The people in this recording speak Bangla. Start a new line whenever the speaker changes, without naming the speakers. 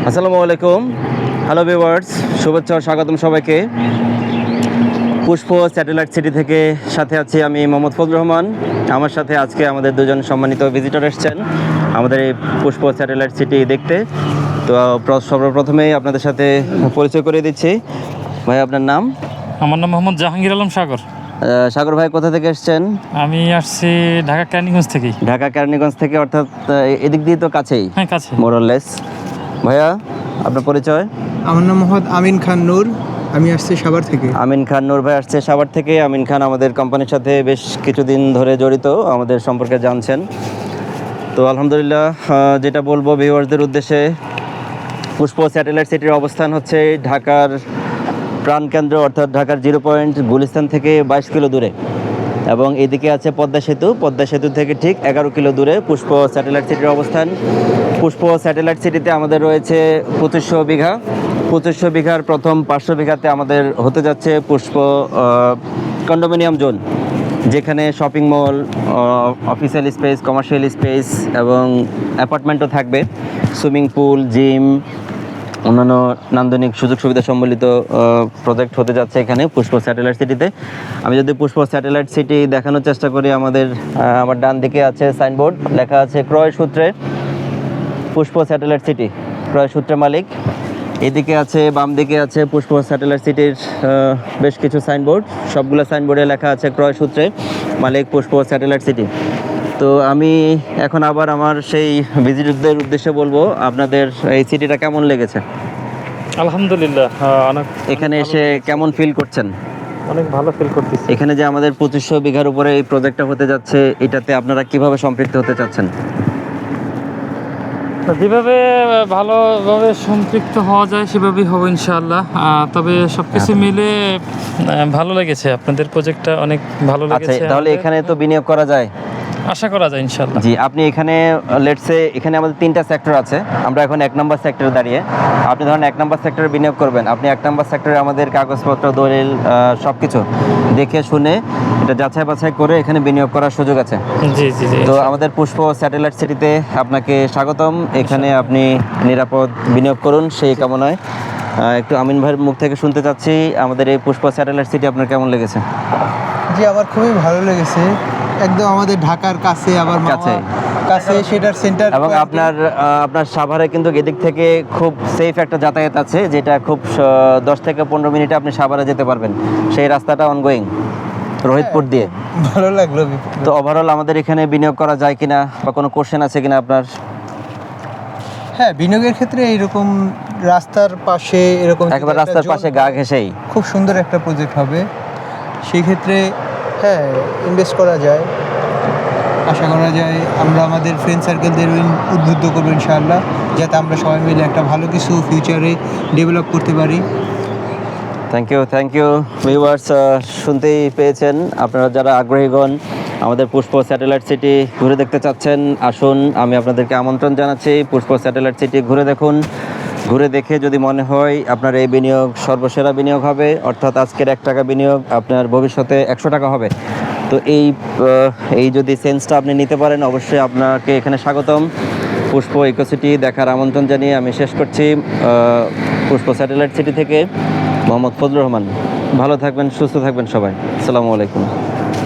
আসসালামু আলাইকুম। হ্যালো ভিউয়ার্স, শুভেচ্ছা ও স্বাগতম সবাইকে। পুষ্প স্যাটেলাইট সিটি থেকে সাথে আছি আমি মোহাম্মদ ফজলুর রহমান। আমার সাথে আজকে আমাদের দুজন সম্মানিত ভিজিটর এসেছেন আমাদের এই পুষ্প স্যাটেলাইট সিটি দেখতে। তো সর্বপ্রথমেই আপনাদের সাথে পরিচয় করে দিচ্ছি। ভাই, আপনার নাম?
আমার নাম মোহাম্মদ জাহাঙ্গীর আলম সাগর।
সাগর ভাই, কোথা থেকে এসেছেন?
আমি আসছি ঢাকা কেরানীগঞ্জ থেকেই।
ঢাকা কেরানীগঞ্জ থেকে, অর্থাৎ এদিক দিয়ে তো কাছেই।
হ্যাঁ, কাছে।
মোরলেস। ভাইয়া, আপনার পরিচয়?
আমার নাম মোহাম্মদ আমিন খান নূর, আমি আসছি সাভার থেকে।
আমিন খান নূর ভাই আসছে সাভার থেকে। আমিন খান আমাদের কোম্পানির সাথে বেশ কিছুদিন ধরে জড়িত, আমাদের সম্পর্কে জানছেন। তো আলহামদুলিল্লাহ, যেটা বলবো ভিউয়ার্সদের উদ্দেশ্যে, পুষ্প স্যাটেলাইট সিটির অবস্থান হচ্ছে ঢাকার প্রাণকেন্দ্র, অর্থাৎ ঢাকার 0 পয়েন্ট গুলিস্তান থেকে 22 কিলো দূরে, এবং এদিকে আছে পদ্মা সেতু থেকে ঠিক 11 কিলো দূরে পুষ্প স্যাটেলাইট সিটির অবস্থান। পুষ্প স্যাটেলাইট সিটিতে আমাদের রয়েছে 2500 বিঘার প্রথম 500 বিঘাতে আমাদের হতে যাচ্ছে পুষ্প কন্ডোমিনিয়াম জোন, যেখানে shopping mall, official space, commercial space এবং অ্যাপার্টমেন্টও থাকবে, সুইমিং পুল, জিম, অন্যান্য নান্দনিক সুযোগ সুবিধা সম্বলিত প্রজেক্ট হতে যাচ্ছে এখানে পুষ্প স্যাটেলাইট সিটিতে। আমি যদি পুষ্প স্যাটেলাইট সিটি দেখানোর চেষ্টা করি, আমার ডান দিকে আছে সাইনবোর্ড, লেখা আছে ক্রয় সূত্রে পুষ্প স্যাটেলাইট সিটি, ক্রয় সূত্রে মালিক। এদিকে আছে, বাম দিকে আছে পুষ্প স্যাটেলাইট সিটির বেশ কিছু সাইনবোর্ড, সবগুলো সাইনবোর্ডে লেখা আছে ক্রয় সূত্রে মালিক পুষ্প স্যাটেলাইট সিটি। তো আমি এখন আবার আমার সেই ভিজিটরদের উদ্দেশ্যে বলবো, আপনাদের এই সিটিটা কেমন লেগেছে?
আলহামদুলিল্লাহ, অনেক
এখানে এসে কেমন ফিল করছেন?
অনেক ভালো ফিল করতেছি।
এখানে যে আমাদের 2500 বিঘার উপরে এই প্রজেক্টটা হতে যাচ্ছে, এটাতে আপনারা কিভাবে সম্পৃক্ত হতে চাচ্ছেন?
যেভাবে ভালোভাবে সম্পৃক্ত হওয়া যায় সেভাবেই হবে ইনশাআল্লাহ। তবে সবকিছু মিলে ভালো লেগেছে, আপনাদের প্রজেক্টটা অনেক ভালো
আচ্ছা,
লেগেছে।
তাহলে এখানে তো বিনিয়োগ করা যায়?
আশা করা যায় ইনশাআল্লাহ।
জি, আপনি এখানে লেটসে এখানে আমাদের 3টা সেক্টর আছে, আমরা এখন 1 নম্বর সেক্টরে দাঁড়িয়ে। আপনি ধরেন 1 নম্বর সেক্টরে বিনিয়োগ করবেন, আপনি 1 নম্বর সেক্টরে আমাদের কাগজপত্র, দলিল, সব কিছু দেখে শুনে এটা যাচাই বাছাই করে এখানে বিনিয়োগ করার সুযোগ আছে।
জি জি জি।
তো আমাদের পুষ্প স্যাটেলাইট সিটিতে আপনাকে স্বাগতম। এখানে আপনি নিরাপদ বিনিয়োগ করুন সেই কামনায়। একটু আমিন ভাইয়ের মুখ থেকে শুনতে চাচ্ছি, আমাদের এই পুষ্প স্যাটেলাইট সিটি আপনার কেমন লেগেছে?
জি, আমার খুবই ভালো লেগেছে। একদম আমাদের ঢাকার কাছে, আবার কাছে সেটার সেন্টার,
এবং আপনার সাভারে কিন্তু এদিক থেকে খুব সেফ একটা যাতায়াত আছে, যেটা খুব 10 থেকে 15 মিনিটে আপনি সাভারে যেতে পারবেন। সেই রাস্তাটা অনগোয়িং রোহিতপুর দিয়ে।
ভালো লাগলো।
তো ওভারঅল আমাদের এখানে বিনিয়োগ করা যায় কিনা বা কোনো কোশ্চেন আছে কিনা আপনার?
হ্যাঁ, বিনিয়োগের ক্ষেত্রে এইরকম রাস্তার পাশে, এরকম
একেবারে রাস্তার পাশে গা ঘেঁষেই
খুব সুন্দর একটা প্রজেক্ট হবে। সেই ক্ষেত্রে হ্যাঁ, ইনভেস্ট করা যায়, আশা করা যায়। আমরা আমাদের ফ্রেন্ড সার্কেলদের উদ্বুদ্ধ করবো ইনশাআল্লাহ, যাতে আমরা সবাই মিলে একটা ভালো কিছু ফিউচারে ডেভেলপ করতে পারি।
থ্যাংক ইউ ভিউয়ার্স, শুনতেই পেয়েছেন, আপনারা যারা আগ্রহীগণ আমাদের পুষ্প স্যাটেলাইট সিটি ঘুরে দেখতে চাচ্ছেন, আসুন, আমি আপনাদেরকে আমন্ত্রণ জানাচ্ছি। পুষ্প স্যাটেলাইট সিটি ঘুরে দেখুন। ঘুরে দেখে যদি মনে হয় আপনার এই বিনিয়োগ সর্বসেরা বিনিয়োগ হবে, অর্থাৎ আজকের 1 টাকা বিনিয়োগ আপনার ভবিষ্যতে 100 টাকা হবে, তো এই যদি সেন্সটা আপনি নিতে পারেন, অবশ্যই আপনাকে এখানে স্বাগতম। পুষ্প ইকোসিটি দেখার আমন্ত্রণ জানিয়ে আমি শেষ করছি। পুষ্প স্যাটেলাইট সিটি থেকে মোহাম্মদ ফজলুর রহমান। ভালো থাকবেন, সুস্থ থাকবেন সবাই। আসসালামু আলাইকুম।